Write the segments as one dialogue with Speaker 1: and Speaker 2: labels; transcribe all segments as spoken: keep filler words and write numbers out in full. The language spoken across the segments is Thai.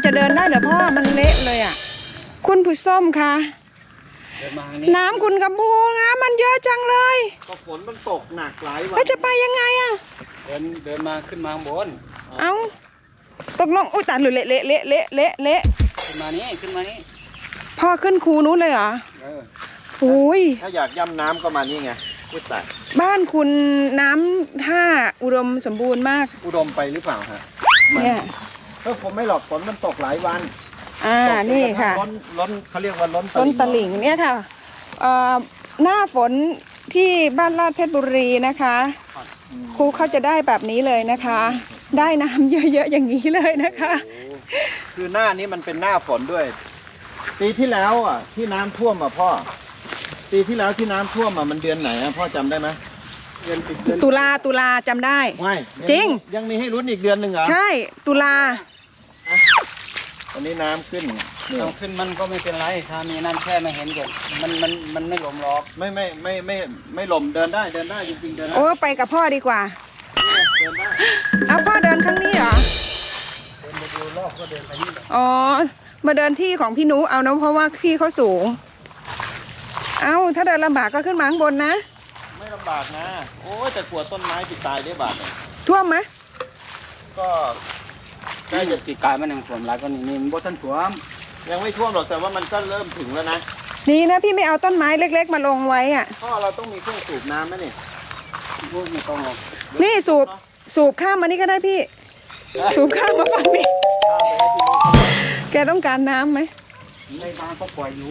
Speaker 1: จะเดินได้เหรอพ่อมันเละเลยอ่ะคุณผู้ส้มคะน้ำคุณกระบูน้ำมันเยอะจังเลย
Speaker 2: ก็ฝนมันตกหนักหลายวัน
Speaker 1: แล้วจะไปยังไงอ่ะ
Speaker 3: เดินเดินมาขึ้นมาข้างบน
Speaker 1: เอ้าตกลงอุ้ยตัดหรือเละเละเละเละเละเละ
Speaker 3: ขึ้นมานี่ขึ้นมานี่
Speaker 1: พ่อขึ้นคูนู้นเลยเหรอ
Speaker 3: เออ
Speaker 1: โอ้ย
Speaker 2: ถ้าอยากย่ำน้ำก็มานี่ไงพูดแต่
Speaker 1: บ้านคุณน้ำท่าอุดมสมบูรณ์มาก
Speaker 2: อุดมไปหรือเปล่าฮะ
Speaker 1: เนี่ย
Speaker 2: เออผมไม่หรอกฝนมันตกหลายวัน
Speaker 1: อ่านี่ค่ะ
Speaker 2: ล้นล้นเขาเรียกว่าล้น
Speaker 1: ล้นตลิ่งเนี่ยค่ะเอ่อหน้าฝนที่บ้านลาดเพชรบุรีนะคะครูเขาจะได้แบบนี้เลยนะคะ ได้น้ำเยอะๆอย่างนี้เลยนะคะ
Speaker 2: คือหน้านี้มันเป็นหน้าฝนด้วยปีที่แล้วอ่ะที่น้ำท่วมอ่ะพ่อปีที่แล้วที่น้ำท่วมอ่ะมันเดือนไหนอ่ะพ่อจำได้ไหม
Speaker 1: เดือนตุลาตุลาจำได้
Speaker 2: ไม่
Speaker 1: จริง
Speaker 2: ยังมีให้ลุ้นอีกเดือนหนึ่งเหรอ
Speaker 1: ใช่ตุลา
Speaker 2: ตอนนี้น้ำขึ้น
Speaker 3: น้ำขึ้นมันก็ไม่เป็นไรถ้ามีน้ำแค่ไม่เห็นกันมันมันมันไม่หลมหรอก
Speaker 2: ไม่ไม่ไม่ไม่ไม่หลมเดินได้เดินได้จริงๆเดินได้
Speaker 1: โอ้ไปกับพ่อดีกว่า
Speaker 2: เดินได้
Speaker 1: เอาพ่อเดินข้างนี้เหรอ
Speaker 3: เดินมาดูรอบก็เดินไปนี่
Speaker 1: อ๋อมาเดินที่ของพี่นุเอานะเพราะว่าที่เขาสูงเอาถ้าเดินลำบากก็ขึ้นมาข้างบนนะ
Speaker 2: ไม่ลำบากนะโอ้ยแต่กลัวต้นไม้ติดตายได้บาด
Speaker 1: ท่วมไหม
Speaker 2: ก็
Speaker 3: ใกล้จะติดกายมันยังท่วมหลายก็นี่นี่บ่ทันท่วม
Speaker 2: ยังไม่ท่วมหรอกแต่ว่ามันก็เริ่มถึงแล้วนะ
Speaker 1: นี่นะพี่ไม่เอาต้นไม้เล็กๆมาลงไว้อ่ะ
Speaker 2: พ่อเราต้องมีเครื่องสูบน้ำไหมนี่
Speaker 3: ไม่ต้องหรอก
Speaker 1: นี่สูบสูบข้ามมานี่ก็ได้พี่สูบข้ามมาฝั่งนี้แกต้องการน้ำไหม
Speaker 3: ในบ้านก็ปล่อยอยู่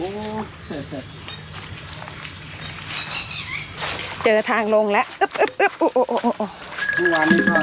Speaker 1: เจอทางลงแล้วอึ๊บอึ๊บอึ๊บโอ้โอ้โอ้โอ้
Speaker 3: เมื่อวานนี้ก็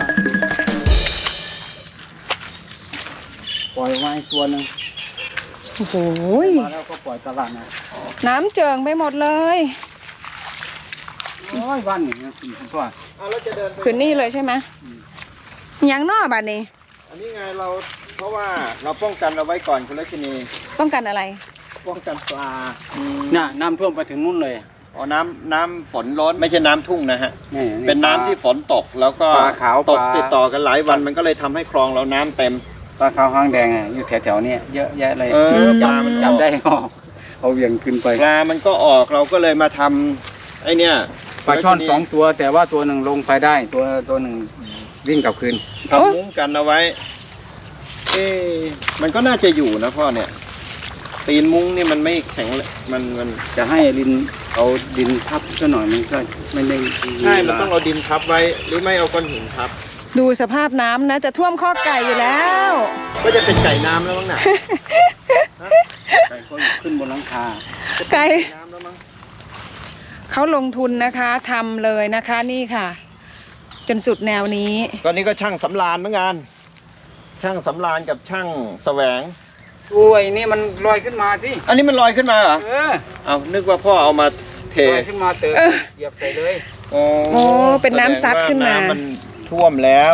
Speaker 3: ปล่อยไว้ตัวหนึ่ง
Speaker 1: โอ้โห
Speaker 3: มาแล้วก็ปล่อยตลาดนะ
Speaker 1: น้ำเจิ่งไปหมดเลย
Speaker 3: โอ้ยบ้านนี่นะคุณพ่อ
Speaker 1: คืนนี่เลยใช่ไหมยังนอกบ้านนี้
Speaker 2: อันนี้ไงเราเพราะว่าเราป้องกันเราไว้ก่อนคุณลักษณี
Speaker 1: ป้องกันอะไร
Speaker 2: ป้องกันปลา
Speaker 3: น่ะน้ำท่วมไปถึงนู่นเลย
Speaker 2: อ๋อน้ำน้ำฝนล้นไม่ใช่น้ำทุ่งนะฮะเป็นน้ำที่ฝนตกแล้วก็ตกติดต่อกันหลายวันมันก็เลยทำให้คลองเราน้ำเต็ม
Speaker 3: ปลาขาวหางแดงอ่ะอยู่แถวๆนี้เยอะแยะเลย
Speaker 2: ปลามัน
Speaker 3: จับได้ออกเอาเวียงขึ้นไป
Speaker 2: ปลามันก็ออกเราก็เลยมาทำไอเนี้ย
Speaker 3: ปลาช่อนสองตัวแต่ว่าตัวหนึ่งลงไปได้ตัวตัวหนึ่งวิ่งกลับคืน
Speaker 2: ทำมุ้งกันเอาไว้เอ๊มันก็น่าจะอยู่นะพ่อเนี่ยตีนมุ้งนี่มันไม่แข็งมันมัน
Speaker 3: จะให้ดินเอาดินทับซะหน่อยมันก็ไม่ได้
Speaker 2: ใช่มันต้องเอาดินทับไว้หรือไม่เอาก้อนหินทับ
Speaker 1: ดูสภาพน้ำนะจะท่วมข้อไก่อยู่แล้ว
Speaker 2: ก็จะเป็นไก่น้ำแล้วมั้งน่ะ
Speaker 3: ไก่ก็ขึ้นบนหลังคา
Speaker 1: ไก่น้ำแล้วมั้งเขาลงทุนนะคะทำเลยนะคะนี่ค่ะจนสุดแนวนี้
Speaker 2: ก็นี่ก็ช่างสำราญเหมือนกันช่างสำราญกับช่างแสวง
Speaker 3: โอ้ยนี่มันลอยขึ้นมาสิ
Speaker 2: อันนี้มันลอยขึ้นมาเหรอเออเอานึกว่าพ่อเอามาเท
Speaker 3: ลอยขึ้นมาเติมเหยียบใส่เลย
Speaker 1: โอ้เป็นน้ำซัดขึ้นมา
Speaker 2: มันท่วมแล้ว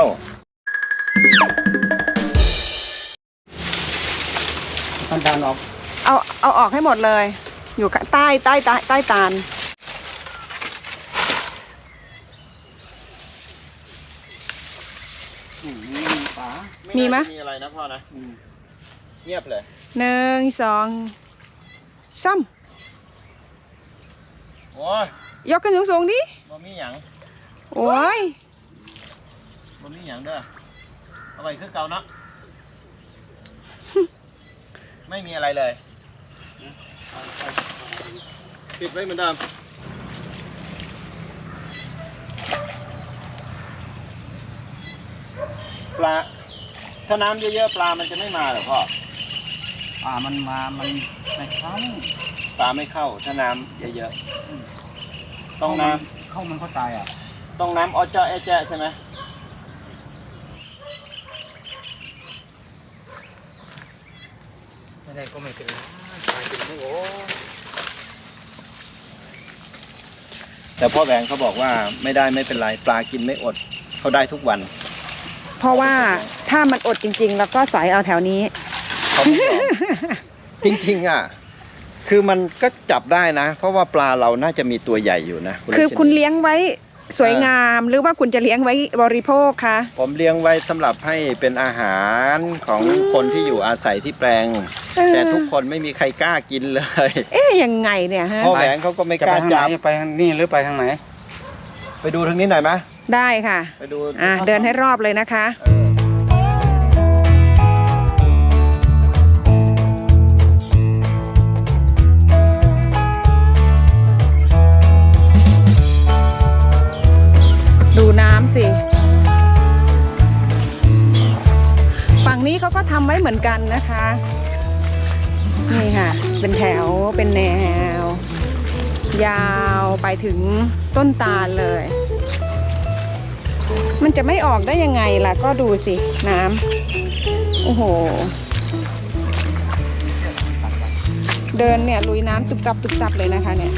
Speaker 3: มันตาลออก
Speaker 1: เอาเอาออกให้หมดเลยอยู่ใต้ใต้ใต้ใต้ตาลมีไหม
Speaker 2: มีอะไรนะพ่อนะเงียบเลย
Speaker 1: หนึ่งสองซ้
Speaker 2: ำโอ้ย
Speaker 1: ยกขึ้นสูงๆดิ
Speaker 2: บ่มีหยัง
Speaker 1: โอ้ย
Speaker 2: บ่มีหยังเด้อเอาไว้คือเก่าเนาะไม่มีอะไรเลยปิดไว้เหมือนเดิมปลาถ้าน้ำเยอะๆปลามันจะไม่มาหรอพ่อ
Speaker 3: ปลามันมามันไม่เข้า
Speaker 2: ปลาไม่เข้าถ้าน้ำเยอะๆต้องน้
Speaker 3: ำเข้ามันก็ตายอ่ะ
Speaker 2: ต้องน้ำออเจ้าแอแจ้ใช่ไหม
Speaker 3: ไม่ได้ก็ไม่เป็นไรตายเป็นไม่โอ้
Speaker 2: แต่พ่อแหวงเขาบอกว่าไม่ได้ไม่เป็นไรปลากินไม่อดเขาได้ทุกวัน
Speaker 1: เพราะว่าถ้ามันอดจริงๆแล้วก็สอยเอาแถวนี้
Speaker 2: เขาไม่ยอมจริงๆอ่ะคือมันก็จับได้นะเพราะว่าปลาเราน่าจะมีตัวใหญ่อยู่นะ
Speaker 1: คือคุณเลี้ยงไว้สวยงามหรือว่าคุณจะเลี้ยงไว้บริโภคคะ
Speaker 2: ผมเลี้ยงไว้สำหรับให้เป็นอาหารของคนที่อยู่อาศัยที่แปลง
Speaker 1: เออ
Speaker 2: แต่ทุกคนไม่มีใครกล้ากินเลย
Speaker 1: เอ๊ยยังไงเนี่ยฮะ
Speaker 2: พ่อแหวงเขาก็ไม่
Speaker 3: จะ
Speaker 2: ก
Speaker 3: ไป
Speaker 2: ล้า
Speaker 3: ทางไหน
Speaker 2: จับ
Speaker 3: จะไปทางนี่หรือไปทางไหน
Speaker 2: ไปดูทางนี้หน่อยไหม
Speaker 1: ได้ค่ะ
Speaker 2: ไปดู
Speaker 1: อ่ะเดินให้รอบเลยนะคะ
Speaker 2: เออ
Speaker 1: ดูน้ำสิ ฝั่งนี้เขาก็ทำไว้เหมือนกันนะคะ นี่ค่ะ เป็นแถว เป็นแนว ยาวไปถึงต้นตาลเลย มันจะไม่ออกได้ยังไงล่ะ ก็ดูสิ น้ำ โอ้โห เดินเนี่ยลุยน้ำตุบตับตุบตับเลยนะคะเนี่ย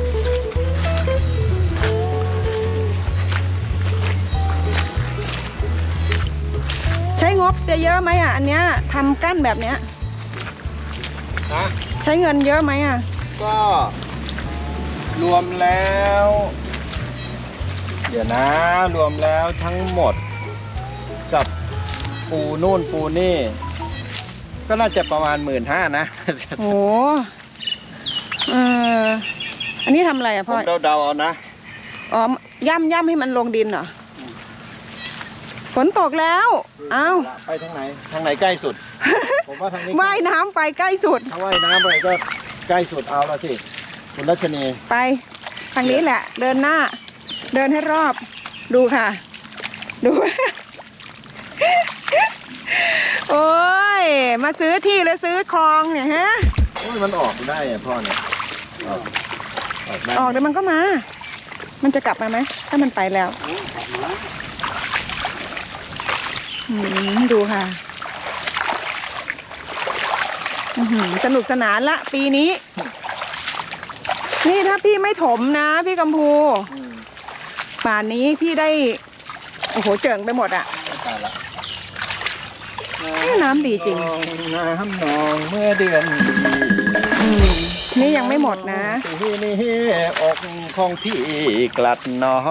Speaker 1: ใช้งบจะเยอะไหมอ่ะ อันเนี้ยทำกั้นแบบเนี้ย
Speaker 2: นะ
Speaker 1: ใช้เงินเยอะไหมอ่ะ
Speaker 2: ก็รวมแล้ว เดี๋ยวนะ รวมแล้วทั้งหมด กับปูนู่นปูนี่ ก็น่าจะประมาณหมื่นห้านะ
Speaker 1: โอ้เอออันนี้ทำอะไรอ่ะ
Speaker 2: ผ
Speaker 1: พ่อ
Speaker 2: มเดาๆเอานะ
Speaker 1: อ๋อย่ำย่ำให้มันลงดินเหรอ ฝนตกแล้ว เอ้า
Speaker 2: ไปทางไหน ทางไหนใกล้สุด ผมว่าทางนี้
Speaker 1: ว่ายน้ำไปใกล้สุด
Speaker 2: ถ้าว่ายน้ำไปก็ใกล้สุดเอาละสิ คุณรัชนี
Speaker 1: ไป ทางนี้แหละ เดินหน้า เดินให้รอบ ดูค่ะ ดู โอ้ย มาซื้อที่แล้วซื้อคลองเนี่ยฮะ
Speaker 2: โอ้ยมันออกได้อะพ่อเนี่ย ออกออกได้
Speaker 1: ออกเดี๋ยวมันก็มา มันจะกลับมาไหม ถ้ามันไปแล้ว อืมดูค่ะอื้อหือสนุกสนานละปีนี้ นี่ถ้าพี่ไม่ถมนะพี่กัมพู
Speaker 2: อืม
Speaker 1: ป่านนี้พี่ได้ โอ้โหเจิงไปหมดอะ
Speaker 2: ตายละ
Speaker 1: น้ำดีจริง
Speaker 2: น้ำนองเมื่อเดือน
Speaker 1: อืมนี่ยังไม่หมดนะ
Speaker 2: ที่นี่อกของพี่กลัดน้อง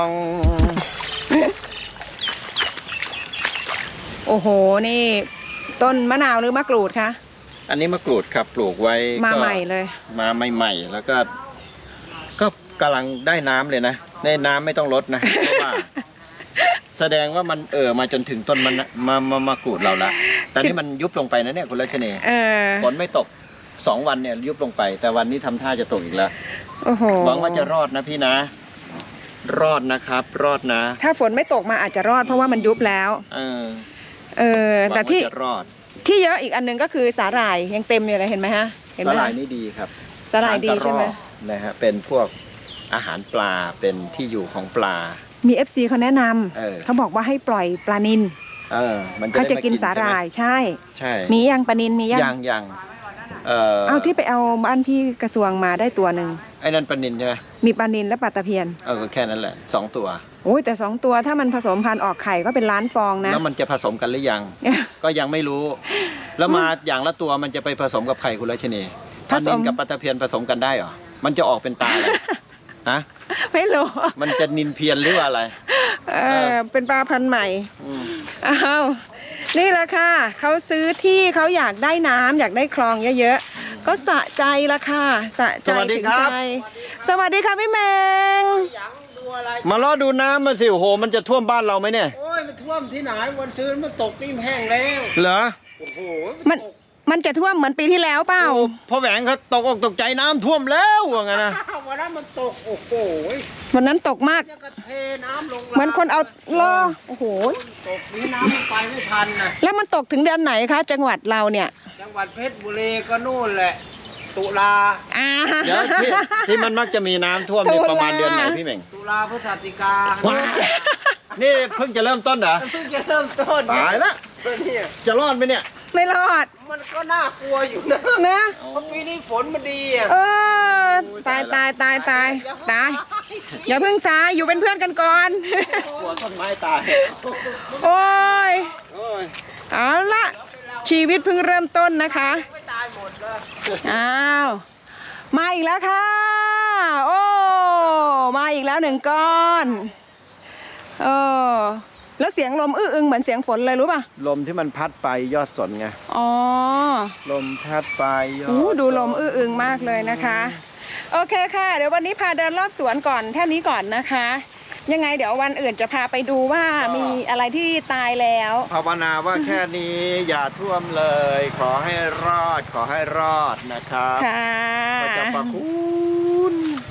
Speaker 1: โอ้โห นี่ ต้นมะนาวหรือมะกรูดคะ
Speaker 2: อันนี้มะกรูดครับปลูกไว้
Speaker 1: มา
Speaker 2: ก็
Speaker 1: ใหม่เลย
Speaker 2: มาใหม่ๆแล้วก็ ก็กำลังได้น้ำเลยนะได้น้ำไม่ต้องลดนะ เพราะว่า แสดงว่ามันเอ่อมาจนถึงต้นมันมามามากรูดเราละแต่นี่มันยุบลงไปนะเนี่ยคุณรัชนี
Speaker 1: เออ
Speaker 2: ฝนไม่ตกสองวันเนี่ยยุบลงไป แต่วันนี้ทำท่าจะตกอีกแล้ว
Speaker 1: โอ้โห
Speaker 2: หวังว่าจะรอดนะพี่นะ รอดนะครับ รอดนะ
Speaker 1: ถ้าฝนไม่ตกมาอาจจะรอดเพราะว่ามันยุบแล้ว
Speaker 2: เออ
Speaker 1: เออ
Speaker 2: หวัง
Speaker 1: แต่
Speaker 2: ว่า
Speaker 1: ที่
Speaker 2: จะรอด
Speaker 1: ที่เยอะอีกอันหนึงก็คือสาหร่ายยังเต็มอยู่เลยเห็นไหมฮะ เห็นไห
Speaker 2: ส
Speaker 1: ม
Speaker 2: ลาย
Speaker 1: ฮะ
Speaker 2: นี่ดีครับ
Speaker 1: สาหร่ายดีใช่ไหม
Speaker 2: ทานกระรอกนะฮะเป็นพวกอาหารปลาเป็นที่อยู่ของปลา
Speaker 1: มี เอฟ ซี เขาแนะน
Speaker 2: เออ
Speaker 1: ำเขาบอกว่าให้ปล่อยปลานิล
Speaker 2: เออ มันจะ
Speaker 1: เขา
Speaker 2: ได้
Speaker 1: จะ
Speaker 2: ม
Speaker 1: กินสาหร่าย
Speaker 2: ใช่ไหม
Speaker 1: ใช่
Speaker 2: ใช่
Speaker 1: มียังปลานิลมียัง
Speaker 2: ยังยังเออ
Speaker 1: เอาที่ไปเอาบ้านพี่กระทรวงมาได้ตัวหนึ่ง
Speaker 2: ไอ้นั่นปลานินใช่ไหม
Speaker 1: มีปลานิลและปลาตะเพียน
Speaker 2: เออก็แค่นั้นแหละสองตัว
Speaker 1: โอ้ยแต่สองตัวถ้ามันผสมพันธุ์ออกไข่ก็เป็นล้านฟองนะ
Speaker 2: แล้วมันจะผสมกันหรือยัง ก็ยังไม่รู้ แล้วมาอย่างละตัวมันจะไปผสมกับไข่คุณรัชนี
Speaker 1: ผ
Speaker 2: ปลา
Speaker 1: ส
Speaker 2: นิ
Speaker 1: ม
Speaker 2: นกับปลาตะเพียนผสมกันได้เหรอมันจะออกเป็นตาอะไร ฮะ
Speaker 1: ไม่รู้
Speaker 2: มันจะนินเพียนหรือว่าอะไร
Speaker 1: เออเป็นปลาพันธุ์ใหม่
Speaker 2: อืม
Speaker 1: อ้าวนี่แหละค่ะเขาซื้อที่เขาอยากได้น้ำอยากได้คลองเยอะๆก็สะใจละค่ะสะใจถึงใจสวัสดีค่ะพี่เมง
Speaker 2: มาล้อดูน้ำมาสิโอ้โหมันจะท่วมบ้านเราไหมเนี่ย
Speaker 3: โอ้ยมันท่วมที่ไหนวันซื้อมันตกนี่แห้งแล้ว
Speaker 2: เหรอ
Speaker 3: โอ้โห
Speaker 1: มันมันจะท่วมเหมือนปีที่แล้วเปล่า
Speaker 2: โอ้พ่อแหวงเขาตกอกตกใจน้ำท่วมแล้วว่างั้นนะ
Speaker 3: วันนั้นมันตกโอ้โห
Speaker 1: วันนั้นตกมาก
Speaker 3: ยังกระเทน้ำลง
Speaker 1: เหมือนคนเอาล่อโอ้โห
Speaker 3: ตกนี้น้ำมันไปไม่ทันนะ
Speaker 1: แล้วมันตกถึงเดือนไหนคะจังหวัดเราเนี่ย
Speaker 3: จังหวัดเพชรบุรีก็นู่นแหละ ตุลา
Speaker 1: อ่า
Speaker 2: เดี๋ยวที่ที่มันมักจะมีน้ำท่วมเนี่ย
Speaker 1: ตุลา
Speaker 2: ประมาณเดือนไหนพี่เหม่ง
Speaker 3: ตุลาพฤศจิกา
Speaker 2: ว้า นี่เพิ่งจะเริ่มต้นเหรอ
Speaker 3: มันเพิ่งจะเริ่มต้น
Speaker 2: ตายละ
Speaker 3: เนี่ย
Speaker 2: จะรอดไหมเนี่ย
Speaker 1: ไม่รอด
Speaker 3: มันก็น่ากลัวอยู่นะ
Speaker 1: นะ
Speaker 3: เพราะปีนี้ฝนมันดีอ่ะ
Speaker 1: เออตายตายตายตายตายอย่าเพิ่งตายอยู่เป็นเพื่อนกันก่อน
Speaker 2: กลัวต้นไม้ตาย
Speaker 1: โอ้ย
Speaker 2: โอ้ย
Speaker 1: เอาละชีวิตเพิ่งเริ่มต้นนะคะ
Speaker 3: ไม่ตายหมดเลย
Speaker 1: อ้าวมาอีกแล้วค่ะ โอ้มาอีกแล้วหนึ่งก้อนเออแล้วเสียงลมอื้ออึงเหมือนเสียงฝนเลยรู้ป่ะ
Speaker 2: ลมที่มันพัดไปยอดสนไง
Speaker 1: อ๋อ
Speaker 2: ลมพัดไปยอด
Speaker 1: อู้ดูลม
Speaker 2: สน
Speaker 1: อื้ออึงมากเลยนะคะ โอเคค่ะ เดี๋ยววันนี้พาเดินรอบสวนก่อนแค่นี้ก่อนนะคะ ยังไงเดี๋ยววันอื่นจะพาไปดูว่ามีอะไรที่ตายแล้ว
Speaker 2: ภาวนาว่าแค่นี้อย่าท่วมเลย ขอให้รอดขอให้รอดนะครับ
Speaker 1: ค่ะ
Speaker 2: พระเจ้าประคุณ